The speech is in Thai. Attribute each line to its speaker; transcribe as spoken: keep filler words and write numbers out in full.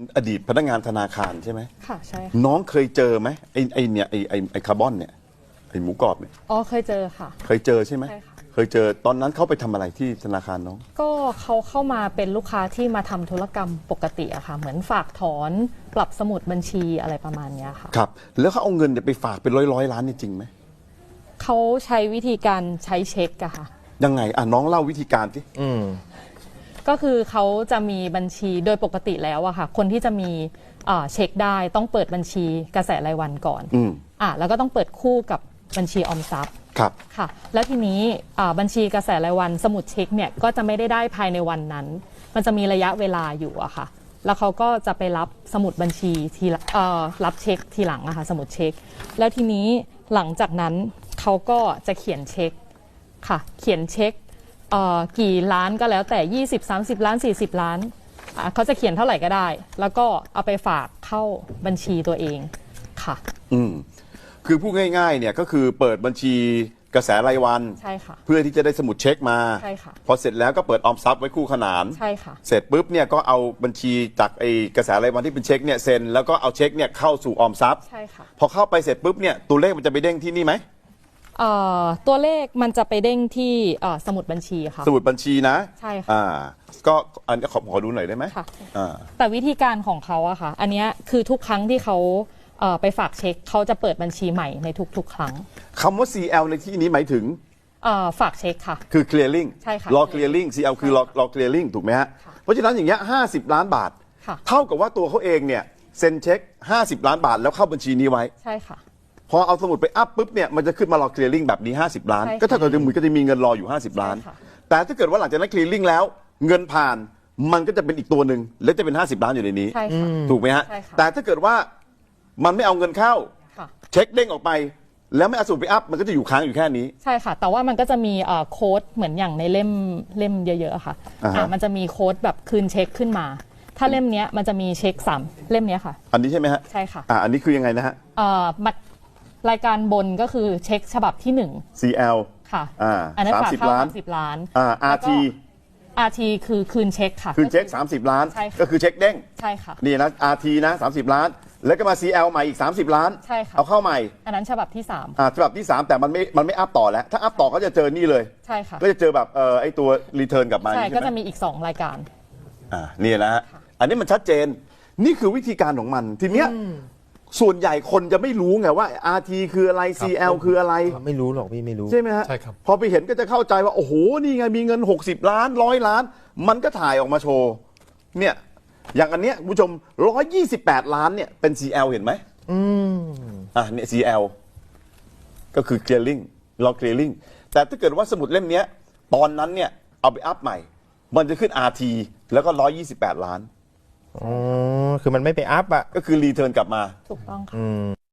Speaker 1: อดีตพนักงานธนาคารใช่ไหม
Speaker 2: ค่ะใช่ค่ะ
Speaker 1: น้องเคยเจอไหมไอ้ไอ้เนี่ยไอ้ไอ้ไอ้คาร์บอนเนี่ยไอ้หมูกรอบเนี่ย
Speaker 2: อ๋อเคยเจอค่ะ
Speaker 1: เคยเจอใช่ไหม
Speaker 2: ใช่ค่ะ
Speaker 1: เคยเจอตอนนั้นเขาไปทำอะไรที่ธนาคารน้อง
Speaker 2: ก็เขาเข้ามาเป็นลูกค้าที่มาทำธุรกรรมปกติอะค่ะเหมือนฝากถอนปรับสมุดบัญชีอะไรประมาณนี้ค่ะ
Speaker 1: ครับแล้วเขาเอาเงินเนี่ยไปฝากเป็นร้อยร้อยล้านนี่จริงไหม
Speaker 2: เขาใช้วิธีการใช้เช็คอะค่ะ
Speaker 1: ยังไงอ่ะน้องเล่าวิธีการสิ
Speaker 3: อืม
Speaker 2: ก็คือเขาจะมีบัญชีโดยปกติแล้วอะค่ะคนที่จะมีเช็คได้ต้องเปิดบัญชีกระแสรายวันก่อน
Speaker 1: อืม
Speaker 2: อ่ะแล้วก็ต้องเปิดคู่กับบัญชีออมทรัพย์
Speaker 1: ครับ
Speaker 2: ค่ะแล้วทีนี้บัญชีกระแสรายวันสมุดเช็คเนี่ยก็จะไม่ได้ได้ภายในวันนั้น มันจะมีระยะเวลาอยู่อะค่ะแล้วเขาก็จะไปรับสมุดบัญชีทีรับเช็คทีหลังอะค่ะสมุดเช็คแล้วทีนี้หลังจากนั้นเขาก็จะเขียนเช็คค่ะเขียนเช็คกี่ล้านก็แล้วแต่ยี่สิบ สามสิบล้านสี่สิบล้านเขาจะเขียนเท่าไหร่ก็ได้แล้วก็เอาไปฝากเข้าบัญชีตัวเองค่ะ
Speaker 1: อืมคือพูดง่ายๆเนี่ยก็คือเปิดบัญชีกระแสรายวัน
Speaker 2: ใช่ค่ะ
Speaker 1: เพื่อที่จะได้สมุดเช็คมา
Speaker 2: ใช่ค่ะ
Speaker 1: พอเสร็จแล้วก็เปิดออมทรัพย์ไว้คู่ขนาน
Speaker 2: ใช่ค่ะ
Speaker 1: เสร็จปุ๊บเนี่ยก็เอาบัญชีจากไอ้กระแสรายวันที่เป็นเช็คเนี่ยเซ็นแล้วก็เอาเช็คเนี่ยเข้าสู่ออมทรัพย์
Speaker 2: ใช่ค่ะ
Speaker 1: พอเข้าไปเสร็จปุ๊บเนี่ยตัวเลขมันจะไปเด้งที่นี่ไหม
Speaker 2: ตัวเลขมันจะไปเด้งที่สมุดบัญชีค่ะ
Speaker 1: สมุดบัญชีนะ
Speaker 2: ใช่ค่ะ
Speaker 1: อ่าก็อันนี้ขอขอดูหน่อยได้ไหม
Speaker 2: ค่ะ
Speaker 1: อ่า
Speaker 2: แต่วิธีการของเขาอะค่ะอันนี้คือทุกครั้งที่เขาไปฝากเช็คเขาจะเปิดบัญชีใหม่ในทุกๆครั้ง
Speaker 1: คำว่า ซี แอล ในที่นี้หมายถึง
Speaker 2: ฝากเช็คค่ะ
Speaker 1: คือ clearing
Speaker 2: ใช่ค่ะ
Speaker 1: รอ clearing ซี แอล คือรอรอ clearing ถูกไหมฮะเพราะฉะนั้นอย่างเงี้ยห้าสิบล้านบาทเท่ากับว่าตัวเขาเองเนี่ยเซ็นเช็คห้าสิบล้านบาทแล้วเข้าบัญชีนี้ไว้
Speaker 2: ใช่ค่ะ
Speaker 1: พอเอาสมุดไปอัพปุ๊บเนี่ยมันจะขึ้นมารอ clearing แบบนี้ห้าสิบล้านก็เท่ากับจะมือก็จะมีเงินรออยู่ห้าสิบล้านแต่ถ้าเกิดว่าหลังจากนั้น clearing แล้วเงินผ่านมันก็จะเป็นอีกตัวหนึ่งแล้วจะเป็นห้าสิบล้านอยู่ในนี้ถูกไหมฮะแต่ถ้าเกิดว่ามันไม่เอาเงินเข้าเช็คเด้งออกไปแล้วไม่เอาสมุดไปอัพมันก็จะอยู่ค้างอยู่แค่นี้
Speaker 2: ใช่ค่ะแต่ว่ามันก็จะมีโค้ดเหมือนอย่างในเล่มเล่มเยอะๆค่ะมันจะมีโค้ดแบบคืนเช็คขึ้นมาถ้าเล่มนี้มันจะมีเช็คสามเล่มนี้ค่ะ
Speaker 1: อันนี้ใช่ไหมฮะ
Speaker 2: ใช่ค่ะ
Speaker 1: อ่าอันนี้คือยังไงนะฮะ
Speaker 2: รายการบนก็คือเช็คฉบับที่หนึ่ง
Speaker 1: ซี แอล
Speaker 2: ค่ะ
Speaker 1: อ่า
Speaker 2: อันนั้นฝากเข้าสามสิบล้าน
Speaker 1: อ่า อาร์ ที
Speaker 2: อาร์ ที คือคืนเช็คค่ะ
Speaker 1: คืนเช็คสามสิบล้านก็คือเช็คเด้ง
Speaker 2: ใช่ค่ะ
Speaker 1: นี่นะ อาร์ ที นะสามสิบล้านแล้วก็มา ซี แอล ใหม่อีกสามสิบล้าน
Speaker 2: ใช่ค่ะ
Speaker 1: เอาเข้าใหม่
Speaker 2: อันนั้นฉบับที่สาม
Speaker 1: อ่าฉบับที่สามแต่มันไม่มันไม่อัพต่อแล้วถ้าอัพต่อก็จะเจอนี่เลย
Speaker 2: ใช่ค่ะ
Speaker 1: ก็จะเจอแบบเออไอตัวรีเทิร์นกลับมา
Speaker 2: ใช่ก็จะมีอีกสองรายการ
Speaker 1: อ่านี่นะฮะอันนี้มันชัดเจนนี่คือวิธีการของมันทีเนี้ยส่วนใหญ่คนจะไม่รู้ไงว่า อาร์ ที คืออะไร ซี แอล คืออะไร
Speaker 3: ไม่รู้หรอกพี่ไม่รู้
Speaker 1: ใช่ไหมฮะใช่ครับพอไปเห็นก็จะเข้าใจว่าโอ้โหนี่ไงมีเงินหกสิบล้านร้อยล้านมันก็ถ่ายออกมาโชว์เนี่ยอย่างอันเนี้ยคุณผู้ชมหนึ่งร้อยยี่สิบแปดล้านเนี่ยเป็น ซี แอล เห็นไหม
Speaker 3: อืม
Speaker 1: อ่ะเนี่ย ซี แอล ก็คือ clearing รอ clearing แต่ถ้าเกิดว่าสมุดเล่มนี้ตอนนั้นเนี่ยเอาไปอัพใหม่มันจะขึ้น อาร์ ที แล้วก็หนึ่งร้อยยี่สิบแปดล้าน
Speaker 3: อ๋อคือมันไม่ไปอัพอ่ะ
Speaker 1: ก็คือรีเทิร์นกลับมา
Speaker 2: ถูกต้องค่ะ